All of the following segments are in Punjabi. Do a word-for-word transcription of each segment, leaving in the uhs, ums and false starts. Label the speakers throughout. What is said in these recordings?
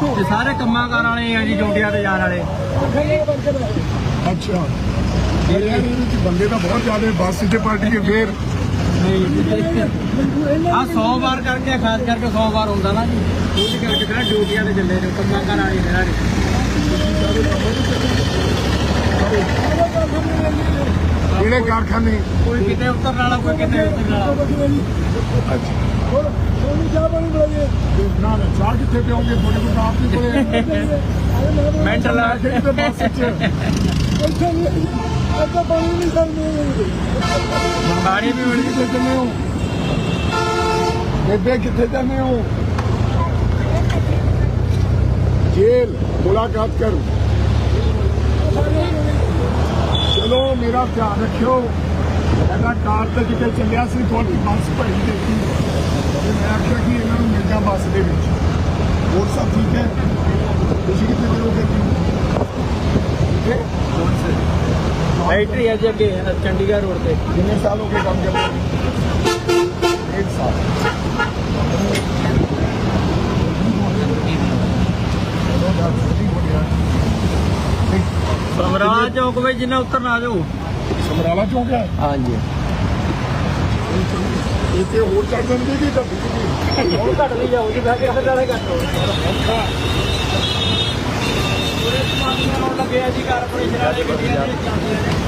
Speaker 1: ਤੇ ਸਾਰੇ ਕੰਮਾਂ ਕਾਰ ਵਾਲੇ ਆ ਜੀ, ਜੋਟੀਆਂ ਤੇ ਜਾਣ ਵਾਲੇ।
Speaker 2: ਅੱਛਾ ਬੰਦੇ ਤਾਂ ਬਹੁਤ ਜ਼ਿਆਦਾ ਬੱਸ 'ਚ ਪਾਰਟੀ ਹੈ ਫੇਰ
Speaker 1: ਆ ਸੌ ਵਾਰ ਕਰਕੇ ਖਾਸ ਕਰਕੇ ਸੌ ਵਾਰ ਹੁੰਦਾ ਨਾ ਜੀ, ਉਹਦੇ ਕਰਕੇ ਕਿਹੜਾ ਡਿਊਟੀਆਂ ਤੇ ਚੱਲੇ ਨੇ ਕੰਮਾਂ ਕਾਰ ਵਾਲੇ ਇਹਨਾਂ ਨੇ।
Speaker 2: ਕਿਹੜੇ ਕਾਰਖਾਨੇ?
Speaker 1: ਕੋਈ ਕਿਤੇ ਉਤਰਨ ਵਾਲਾ, ਕੋਈ ਕਿਤੇ ਉਤਰਨ ਵਾਲਾ।
Speaker 2: ਅੱਛਾ ਨਾ ਨਾ ਚਾਹ ਕਿੱਥੇ ਪਿਓਗੇ? ਤੁਹਾਡੇ ਕੋਲ ਤਾਂ ਆਪ ਨਹੀਂ ਕੋਲੇ
Speaker 1: ਮੈਂਟਲ ਆ
Speaker 2: ਤੇ ਬੱਸ 'ਚ
Speaker 1: ਪਾਣੀ ਵੀ ਮਿਲ
Speaker 2: ਕਿੱਥੇ ਜਾਂਦੇ ਹੋ ਬੇਬੇ? ਕਿੱਥੇ ਜਾਂਦੇ ਹੋ? ਜੇਲ ਮੁਲਾਕਾਤ ਕਰ। ਚਲੋ ਮੇਰਾ ਧਿਆਨ ਰੱਖਿਓ। ਇਹਦਾ ਕਾਰ ਤੇ ਕਿਤੇ ਚੱਲਿਆ ਸੀ, ਤੁਹਾਡੀ ਬੱਸ ਭਰੀ ਦੇਖੀ ਤੇ ਮੈਂ ਆਖਿਆ ਕਿ ਇਹਨਾਂ ਨੂੰ ਮਿਲ ਜਾ ਬੱਸ ਦੇ ਵਿੱਚ। ਹੋਰ ਸਭ ਠੀਕ ਹੈ? ਤੁਸੀਂ ਕਿੱਥੇ ਕਰੋਗੇ? ਠੀਕ ਹੈ।
Speaker 1: ਫੈਕਟਰੀ ਹੈ ਜੀ ਅੱਗੇ ਚੰਡੀਗੜ੍ਹ ਰੋਡ ਤੇ।
Speaker 2: कितने साल हो गए काम करते? एक साल।
Speaker 1: ਸਮਰਾਲਾ ਚੌਕ ਵਿੱਚ ਜਿੰਨਾ ਉਤਰਨਾ ਆ ਜਾਓ।
Speaker 2: ਸਮਰਾਲਾ ਚੌਕ ਹੈ?
Speaker 1: हाँ जी।
Speaker 2: ਇੱਥੇ ਹੋਰ ਚੜ ਜਾਣਗੇ ਕਿ ਘੱਟ
Speaker 1: ਹੁਣ ਘੱਟ ਲਈ ਜਾਓ ਜੀ, ਬਹਿ ਕੇ ਨਾਲੇ ਘੱਟ ਹੋ ਲੱਗਿਆ ਜੀ। ਕਾਰਪੋਰੇਸ਼ਨ ਵਾਲੇ ਗੱਡੀਆਂ ਦੇ ਜਾਂਦੀਆਂ ਨੇ।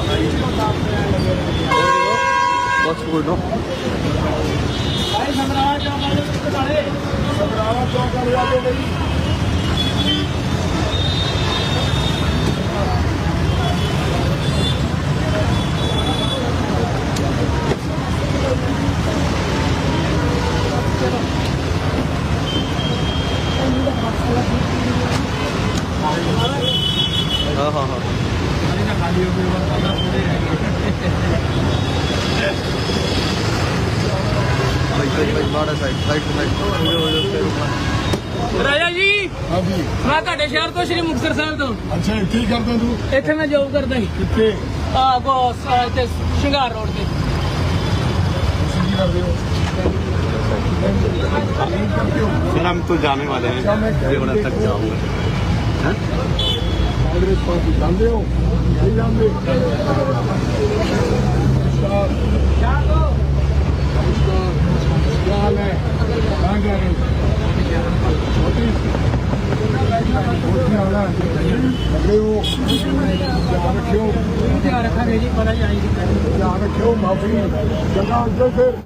Speaker 2: ਬਸ ਕੋਈ ਨਾ।
Speaker 1: ਭਾਈ ਸਮਰਾਲਾ ਚੌਕ ਵਾਲੇ ਉੱਤੇ ਨਾਲੇ
Speaker 2: ਸਮਰਾਲਾ ਚੌਕ ਵਾਲੇ ਆ ਜਾਓ ਬਈ।
Speaker 1: हाँ हाँ हाँ खाली हो राजा जी।
Speaker 2: हाँ जी।
Speaker 1: मैं ਤੁਹਾਡੇ ਸ਼ਹਿਰ ਤੋਂ ਸ਼੍ਰੀ ਮੁਕਤਸਰ ਸਾਹਿਬ ਤੋਂ।
Speaker 2: ਅੱਛਾ ਇੱਥੇ ਹੀ ਕਰਦਾ ਤੂੰ?
Speaker 1: ਇੱਥੇ ਮੈਂ ਜੌਬ ਕਰਦਾ ਸੀ।
Speaker 2: ਕਿੱਥੇ?
Speaker 1: ਆ ਬਸ ਇੱਥੇ ਸ਼ਿੰਗਾਰ ਰੋਡ ਤੇ।
Speaker 2: ਤੁਸੀਂ ਕੀ ਕਰਦੇ ਹੋ?
Speaker 3: सर हम तो जाने वाले हैं, देवड़ा तक जाऊंगा।
Speaker 2: कांग्रेस पार्टी जानते हो? नहीं जानते? नमस्कार। क्या हाल है? कहाँ जा रहे हो? लग रहे हो? ध्यान रखियो।
Speaker 1: ध्यान रखा जी, पता जाएगी।
Speaker 2: ध्यान रखियो। माफी जगह फिर